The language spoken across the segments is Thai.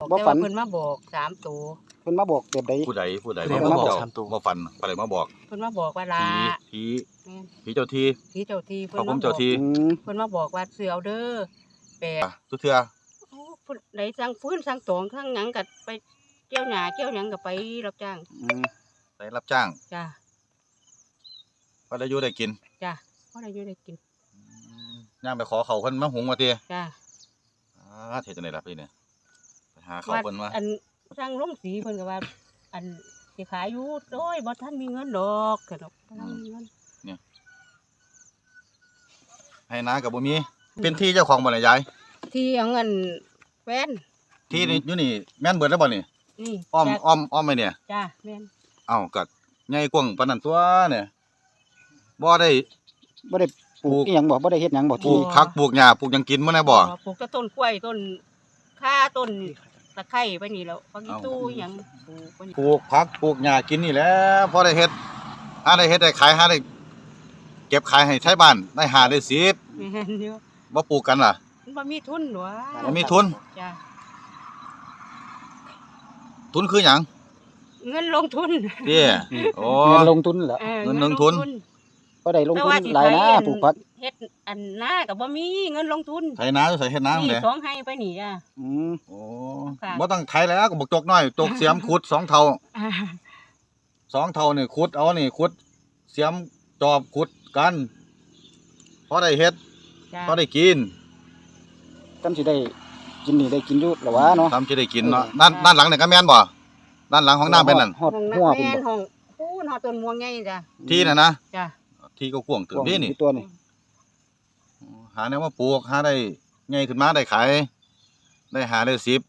บ่แต่ฝัว่าน เพิ่นมาบอก3ตัวเพิ่นมาบอกแบบใดผู้ใดมาบอกมาฟันอะไรมาบอกเพิ่นมาบอกว่าลาผีแม่นผีเจ้าที่ผีเจ้าที่พระภูมิเจ้าที่อืมเพิ่นมาบอกว่าเสือเอาเด้อแปดทุกเทื่อโอ้เพิ่นได้สั่งฟื้นสั่งตองสั่งหยังก็ไปเกี่ยวหญ้าเกี่ยวหยังก็ไปรับจ้างอืมได้รับจ้างจ้ะก็ได้อยู่ได้กินจ้ะพอได้อยู่ได้กินย่างไปขอเขาเพิ่นมาหุงมาเตียจ้ะเฮ็ดจังได๋ล่ะพี่เนี่ยไปหาเขาเพิ่นมาอันสั่งลงสีเพิ่นก็ว่า อันสิขายอยู่โอ้ยบ่ทันมีเงินดอกก็ดอกบ่ทันมีเงินให้นาก็บ่มีเป็นที่เจ้าของบ่ล่ะยายที่เอาเงินแฟนที่นี่อยู่นี่แม่นเบิดแล้วบ่นี่นี่อ้อมจ้ะอ้อมไปเนี่ยจ้ะแม่นเอ้าก็ใหญ่กว้างปานนั้นตัวเนี่ยบ่ได้บ่ได้ปลูกอีหยังบ่ได้เฮ็ดหยังบ่ปลูที่กผักปลูกหญ้าปลูกหยังกินบ่แน่บ่ปลูกแต่ต้นกล้วยต้นข่าต้นตะไคร้ไปนี่แล้วผักอีตู้อิหยังปลูกไปนี่ปลูกผักปลูกหญ้ากินนี่แหละพอได้เฮ็ดหาได้เฮ็ดได้ขายหาได้เก็บขายให้ไทบ้านได้หาได้10 แม่นอยู่บ่ปลูกกันล่ะมันบ่มีทุนหรอบ่มีทุนจ้ะทุนคือหยังเงินลงทุนเด้โอ้เงินลงทุนเหรอเงินลงทุนบ่ได้ลงแต่ทุนว่าสิหลายนะไถอัปลูกผักเฮ็ดอันนาก็บ่มีเงินลงทุนไถนาใส่เฮ็ดนานี่แหละสองให้ไปนี่จ้ะอืมโอ้ค่ะบ่ต้องไถแล้วก็บักจกน้อยจกเสียมขุด2เท่าอ่า 2เท่านี่ขุดเอานี่ขุดเสียมจอบขุดกันพอได้เฮ็ดจ้ะพอได้กินจำสิได้กินนี่ได้กินอยู่แล้ววะเนาะทำจะได้กินเนาะด้านหลังนี่ก็แม่นบ่ด้านหลังของน้าเป็นนั่นฮอดห้องหัวน้ำพุ่นแม่นบ่ห้องปูนหอต้นม่วงใหญ่จ้ะที่น่ะนะจ้ะที่ก็กว้างถึงนี่นี่ตัวนี่หาแนวมาปลูกหาได้ใหญ่ขึ้นมาได้ขายได้หาได้10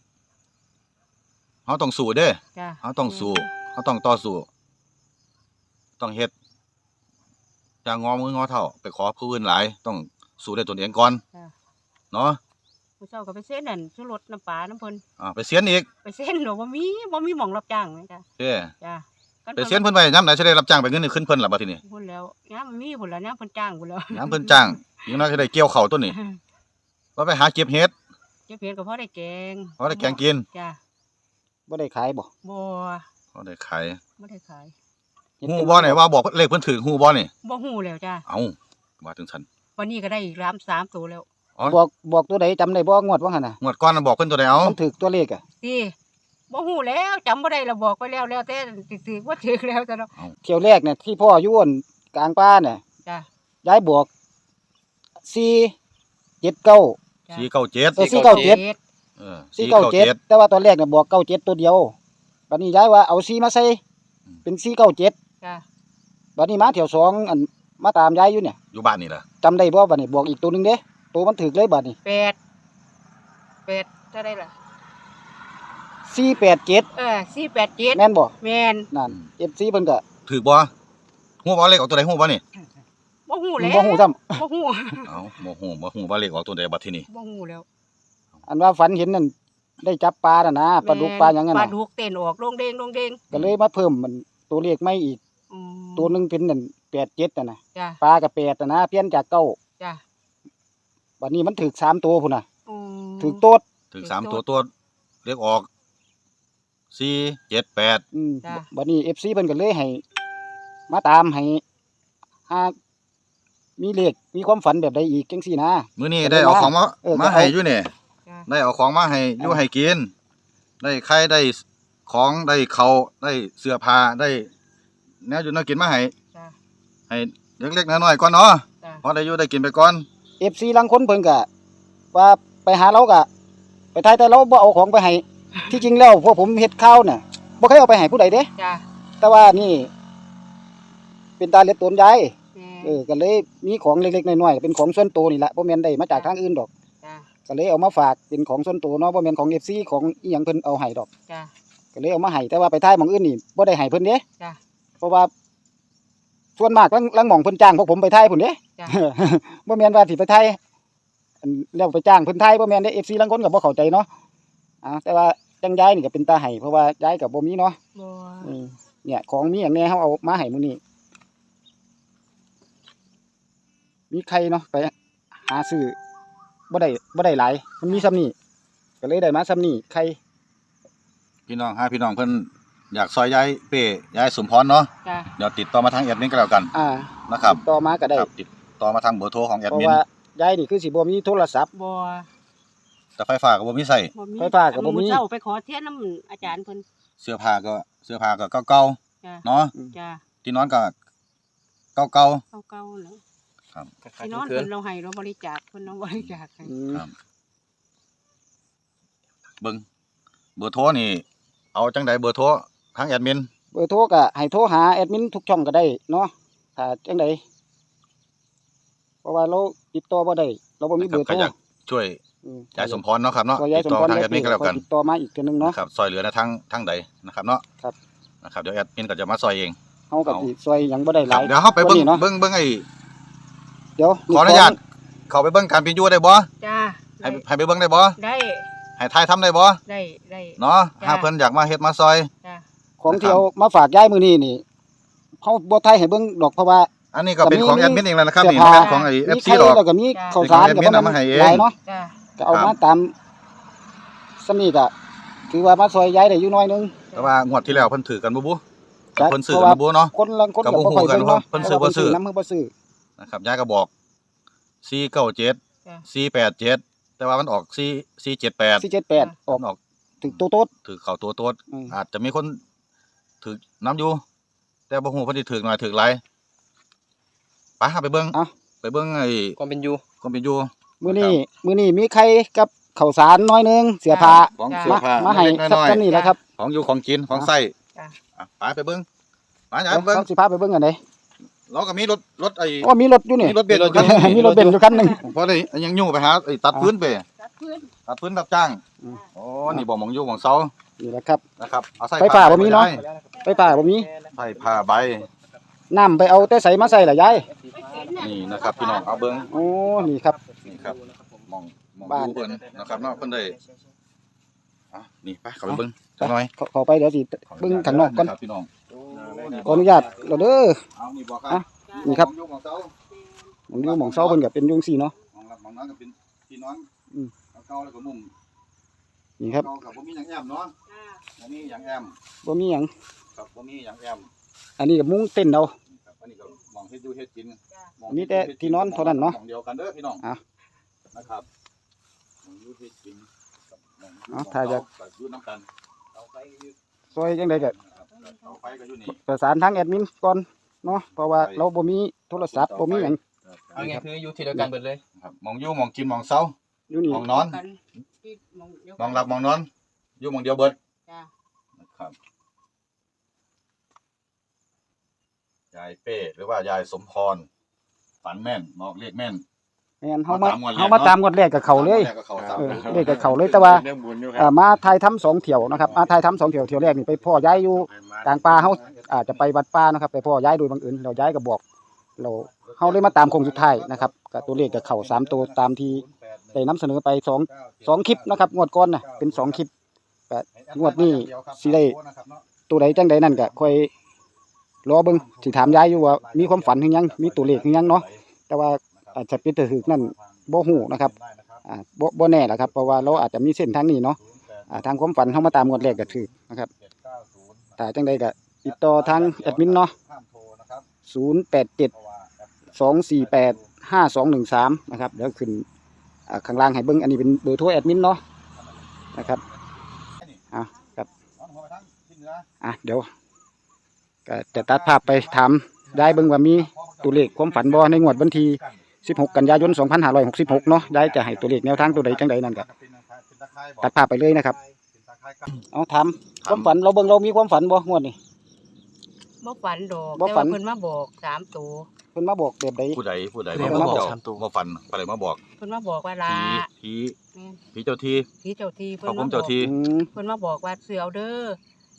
เฮาต้องสู้เด้อจ้ะเฮาต้องสู้เฮาต้องต่อสู้ต้องเฮ็ดจะงอมืองอเท้าไปขอผู้อื่นหลายต้องสู้ด้วยตนเองก่อนจ้ะเนาะผู้เจ้าก็ไปเส้นนั่นชูรสน้ำปลาน้ำเพิ่นไปเสียนอีกไปเส้นหรอบ่มีหม่องรับจ้างเลยจ้ะเด้อจ้ะกัไปเสียนเพิ่นไว้ยามไหนสิได้รับจ้างไปเงินนี่ขึ้นเพิ่นล่ะบัดทีนี้พุ่นแล้วยามมันมีพุ่นแล้วยามเพิ่นจ้างพุ่นแล้วยามเพิ่นจ้างอีกน้อยสิได้เกี่ยวข้าวต้นนี่ว่าไปหาเก็บเห็ดเจ้าเพียนก็พอได้แกงพอได้แกงกินจ้ะบ่ได้ขายบ่บ่พอได้ขายบ่ได้ขายเฮ็ดฮู้บ่นี่ว่าบอกเลขเพิ่นถึงฮู้บ่นี่บ่ฮู้แล้วจ้ะเอ้าว่าถึงฉันวันนี้ก็ได้อีก3ตัวแล้วบอกตัวใดจำได้บ่งวดว่าหั่นน่ะงวดก่อนน่ะบอกเพิ่นตัวใดเอามันถูกตัวเลขอ่ะติบ่ฮู้แล้วจำบ่ได้แล้วบอกไปแล้วแต่ถือบ่ถือแล้วจ้ะเนาะเที่ยวแรกเนี่ยที่พ่ออยู่อั่นกลางป่าเนี่ยจ้ะยายบอก479 จ้ะ 497 เออ497 เออ 497แต่ว่าตอนแรกเนี่ยบอก97ตัวเดียวบัดนี้ยายว่าเอา4มาใส่เป็น497 จ้ะบัดนี้มาเที่ยวสองอันมาตามยายอยู่เนี่ยอยู่บ้านนี่ล่ะจำได้บ่บัดนี้บอกอีกตัวหนึงเด้ตัวมันถูกเลยบัดนี้ 8เท่าได้ล่ะ 487 487 แม่นบ่แม่นนั่น FC เพิ่นก็ถูกบ่ฮู้บ่เลขออกตัวใดฮู้บ่นี่บ่ฮู้แล้วบ่ฮู้ซ้ำบ่ฮู้เอ้าบ่ฮู้ว่าเลขออกตัวใดบัดทีนี้บ่ฮู้แล้วอันว่าฝันเห็นนั่นได้จับปลาน่ะนะปลาดุกปลาหยังนั่นปลาน่ะดุกเต้นออกโรงเด้งก็เลยมาเพิ่มมันตัวเลขใหม่อีกอืมตัวหนึงเป็นนั่น87น่ะนะจ้ะปลาก็8น่ะนะเปลี่ยนจาก9 จ้ะบัดนี้มันถูก3ตัวพุ่นน่ะอืมถูกโต๊ดถึง3ตัวเลขออก478 จ้ะบัดนี้ FC เพิ่นก็เลยให้มาตามให้หามีเลขมีความฝันแบบใดอีกจังซี่นะมื้อนี้ได้เอาของมาเออมาให้อยู่นี่จ้ะได้เอาของมาให้อยู่ให้กิน ได้ไข่ได้ของได้ข้าวได้เสื้อผ้าได้แนวอยู่แนวกินมาให้จ้ะให้เล็กๆน้อยๆก่อนเนาะจ้ะพอได้อยู่ได้กินไปก่อน FC ลางคนเพิ่นก็ว่าไปหาเราก็ไปทายแต่เราบ่เอาของไปให้ ที่จริงแล้วพวกผมเฮ็ดข้าวน่ะบ่เคยเอาไปให้ผู้ใดเด้จ้ะแต่ว่านี่ เป็นตาเล็ดตนยายแม่ก็เลยมีของเล็กๆน้อยๆเป็นของส่วนตัวนี่แหละบ่แม่นได้มาจากทางอื่นดอกจ้ะก็เลยเอามาฝากเป็นของส่วนตัวเนาะบ่แม่นของ FC ของอีหยังเพิ่นเอาให้ดอกจ้ะก็เลยเอามาให้แต่ว่าไปทายหม่องอื่นนี่บ่ได้ให้เพิ่นเด้จ้ะเพราะว่าส่วนมากลังหม่องเพิ่นจ้างพวกผมไปทายพุ่นเด้จ้ะบ่แม่นว่าสิไปทายอันแล้วไปจ้างเพิ่นทายบ่แม่นเด้ FC ลางคนก็บ่เข้าใจเนาะแต่ว่าจังยายนี่ก็เป็นตาให้เพราะว่ายายก็บ่มีเนาะบ่เนี่ยของมีหยังแหน่เฮาเอามาให้มื้อนี้มีไข่เนาะไปหาซื้อบ่ได้หลายมันมีซ้ำนี้ก็เลยได้มาซ้ำนี้ไข่พี่น้องพี่น้องเพิ่นอยากซอยย้ายเป้ย้ายสมพรเนาะจ้ะเดี๋ยวติดต่อมาทางแอดมินก็แล้วกัน นะครับติดต่อมาก็ได้ครับติดต่อมาทางเบอร์โทรของแอดเพราะมินว่ายายนี่คือสิบ่มีโทรศัพท์บ่แต่ไฟฟ้าก็บ่มีใส่บ่มีไฟฟ้าก็บ่มีเช้าไปขอเทียนน้ำอาจารย์เพิ่นเสื้อผ้าก็เก่าจ้ะๆเนาะจ้ะที่นอนก็เก่าเก่าๆเนาะๆครับพี่น้องเพิ่นเราให้เราบริจาคเพิ่นเราบริจาคให้ครับ เบิ่งเบอร์โทรนี่ เอาจังไดเบอร์โทรทางแอดมินเบอร์โทรก็ให้โทรหาแอดมินทุกช่องก็ได้เนาะถ้าจังไดเพราะว่าเราติดต่อบ่ได้เราบ่มีเบอร์ใคโทรรอยากช่วยยายสมพรเนาะครับเนาะก็ยายติดสมต่อพรทางแอดมินก็แล้วกันติดต่อมาอีกเทื่อนึงเนาะนะครับซอยเหลือในทางใดนะครับเนาะครับนะครับเดี๋ยวแอดมินก็จะมาซอยเองเฮาก็สิช่วยหยังบ่ได้หครัลาบยเดี๋ยวเฮาไปเบิ่งกว่านี้เนาะเบิ่งไอ้เดี๋ยวขออนุญาตเข้าไปเบิ่งการเป็นอยู่ได้บ่จ้ะให้ไปเบิ่งได้บ่ได้ให้ทายทำได้บ่ได้เนาะจ้ะถ้าเพิ่นอยากมาเฮ็ดมาซอยจ้ะของที่เอามาฝากยายมื้อนี้นี่เฮาบ่ทายให้เบิ่งดอกเพราะว่าอันนี้ก็เป็นของแอดมินเองแล้วนะครับเสื้นี่อผ้าบ่แม่นของไอ้มี FC ไข่ดอกแล้วก็มีข้าวสารเป็นก็ของบ่แอดมินเอามาให้เองหลายเนาะจ้ะก็เอาครัมาบตามสำนี้ก็ถือว่ามาซอยยายได้อยู่หน้อยนึงแต่ว่างวดที่แล้วเพิ่นถือกันบ่บุจ้ะเพิ่นซื้อกันบ่บุเนาะคนลังคนก็ก็บ่บ่ค่อยฮู้กันเบิ่งเนาะว่าเพิ่นซื้อบ่ซื้อนำมือบ่ซื้อนะครับยายก็บอก497 จ้ะ 487แต่ว่ามันออก478 478ออกมันออกถึงโต๊ดถือเข้าตัวโต๊ดอืมอาจจะมีคนถือน้ำอยู่ แต่บ่ฮู้เพิ่นสิถือหน่อยถือหลายไปหาไปเบิ่งเอ้าไปเบิ่งไอ้ความเป็นอยู่ความเป็นอยู่มื้อนี้มีไข่กับข้าวสารน้อยนึงเสื้อผ้าของเสื้อผ้ามาให้เล็กๆสักน้อยซำนี้แหละครับๆของอยู่ของกินของใช้อ่ะไปเบิ่งไปยายไปเบิ่งเขาสิพาไปเบิ่งอันใดเราก็มีรถไอ้อ๋อมีรถอยู่นี่มีรถเบนซ์อยู่คันหนึ่งมีรถเบนซ์อยู่คันหนึงเพราะได้ยังอยู่ไปหาไอ้ตัดพื้นไปจัดพื้นตัดพื้นรับจ้างอืมโอ้นี่บ่หมองอยู่หมองเสานี่แหละครับนะครับเอาใส่ไฟฟ้าบ่มีเนาะได้ไปป่าบ่มีไฟผ้าใบน้ำไปเอาแต่ใส่มาใส่ล่ะยายนี่นะครับพี่น้องเอาเบิ่งโอ้นี่ครับนี่ครับหมองบ้านอยู่เพิ่นนะครับเนาะเพิ่นได้อ่ะนี่ไปเข้าไปเบิ่งจักหน่อยเข้าไปเดี๋ยวสิเบิ่งข้างนอกก่อนครับพี่น้องขออนุญาตเราเด้อเอานี่บอกคอ่ะรับนี่ครับหมองอยู่หมองเสาหมองอยู่หมองเซาเพิ่นก็เป็นยุงซี่เนาะหมองรับหมองนั้นก็เป็นพี่น้องอืมเก่าๆแล้วก็มุมนี่ครับเก่ากับบ่มีหยังแอมเนาะจ้ะบ่มีหยังแอมบ่มีหยังครับบ่มีหยังแอมอันนี้ก็มุ้งเต้นเอาครับอันนี้ก็หมองเฮ็ดอยู่เฮ็ดกินจ้ะหองมีแต่ที่นอนเท่านั้นเนาะหมองเดียวกันเด้อพี่น้องอ่ะนะครับหมองอยู่เฮ็ดกินกับหมองอยู่อ่ะถ้าจะก็อยู่นํกันเอาไฟก็อยู่ซอยจังไดก็นะครับเอาไฟก็อยู่นี่ประสานทางแอดมินก่อนเนาะเพราะว่าเราบ่มีโทรศัพท์บ่มีหยังเอาไงคืออยู่ที่เดียวกันเบิดเลยครับหมองอยู่หมองกินหมองเซาอยู่นี่หมองนอนกันที่มองเดียวหมองหลับหมองนอน อยู่หมองเดียวเบิดจ้ะนะครับยายเป้หรือว่ายายสมพรฝันแม่นบอกเลขแม่นแม่นเฮามามาตามงวดแรกเฮามาตามงวดแรกกับเขาเลยแรกก็เข้าสามเออตัวเลขกับเขาเลยแต่ว่าเรื่องบุญอยู่คมาถ่ายทำ2เที่ยวนะครับมาถ่ายทำ2เที่ยวเที่ยวแรกนี่ไปพ่อยายอยู่กลางป่าเฮาอาจจะไปวัดป่านะครับไปพ่อยายโดยบังเอิญแล้วยายก็บอกเราเฮาเลยมาตามโคงสุดท้ายนะครับก็ตัวเลขกับเขา3ตัวตามที่ได้นำเสนอไป2คลิปนะครับงวดก่อนน่ะเป็น2คลิปก็งวดนี้สิได้ตัวใดจังใดนั่นก็ค่อยรอเบิ่งสิถามยายอยู่ว่ามีความฝันหรือยังมีตัวเลขหรือยังเนาะแต่ว่าอาจจะเป็นถึกนั่นบ่ฮู้นะครับบ่แน่ล่ะครับเพราะว่าเราอาจจะมีเส้นทางนี้เนาะทางความฝันเฮามาตามงวดแรกก็ถูกนะครับถ้าจังใดก็ติดต่อทางแอดมินเนาะ0872485213นะครับเดี๋ยวขึ้นข้างล่างให้เบิ่งอันนี้เป็นเบอร์โทรแอดมินเนาะนะครับเดี๋ยวก็จะตัดภาพไปถามได้เบิ่งว่ามีตัวเลขความฝันบ่ในงวดวันที่16 กันยายน 2566 เนาะได้จะให้ตัวเลขแนวทางตัวใดจังใดนั่นก็ตัดภาพไปเลยนะครับเอาถามความฝันเราเบิ่งเรามีความฝันบ่งวดนี้บ่ฝันดอกบ่แต่ฝัว่าน เพิ่นมาบอก3ตัวเพิ่นมาบอกแบบใดผู้ใดเพิ่นมาบอกเจ้บ่ฝันอะไรมาบอกเพิ่นมาบอกว่าลาผีแม่นผีเจ้าที่ผีเจ้าที่พระภูมิเจ้าที่เพิ่นมาบอกว่าเสือเอาเด้อ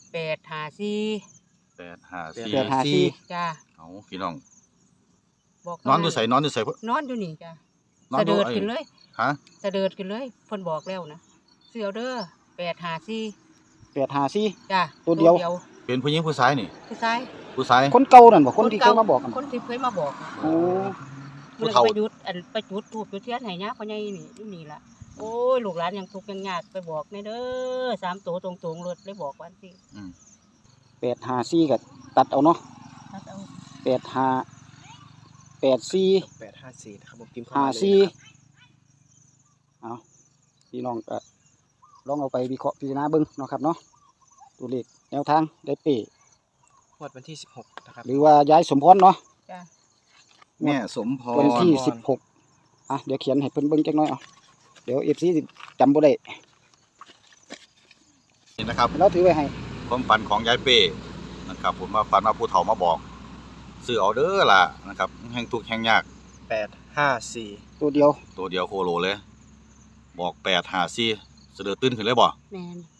854 854 จ้ะเอาพี่น้องบอกนอนอยู่ไสนอนอยู่ไสนอนอยู่นี่จ้ะนอนสะอยู่เดิดไอ้ขึ้นเลยฮะสะเดิดขึ้นเลยเพิ่นบอกแล้วนะเสือเอาเด้อ854 854 จ้ะตัวเดียวเป็นผู้หญิงผู้ชายนี่ผู้ชายผู้ชายคนเก่านั่นบ่คนที่เคยมาบอกกันคนที่เคยมาบอกโอ้ผู้มันเฒ่าไปจุดธูปจุดเทียนให้ย่าพ่อใหญ่นี่อยู่นี่ล่ะโอ้ยลูกหลานยังทุกข์ยังยากไปบอกในเด้อ3ตัวตรงๆรถเลยบอกวันสิ 854ก็ตัดเอาเนาะตัดเอา 85 84 854นะครับผมพิมพ์เข้าห้ามาเลยสี่นะครับเอาพี่น้องก็ลองเอาไปวิเคราะห์พิจารณาเบิ่งเนาะครับเนาะตัวเลขแนวทางได้เป้งวดวันที่16นะครับหรือว่าย้ายสมพรเนาะจ้ะแม่สมพรวันที่16เดี๋ยวเขียนให้เพิ่นเบิ่งจักหน่อยเอาเดี๋ยว FC สิจำบ่ได้นี่นะครับเราถือไว้ให้ความฝันของยายเป้นะครับ ผมว่าฝันว่าผู้เฒ่ามาบอกซื้อเอาเด้อล่ะนะครับแห่งทุกข์แห่งยาก 854 ตัวเดียวตัวเดียวโคโลเลย บอก854เสะเดือดตื่นขึ้นเลยบ่แม่น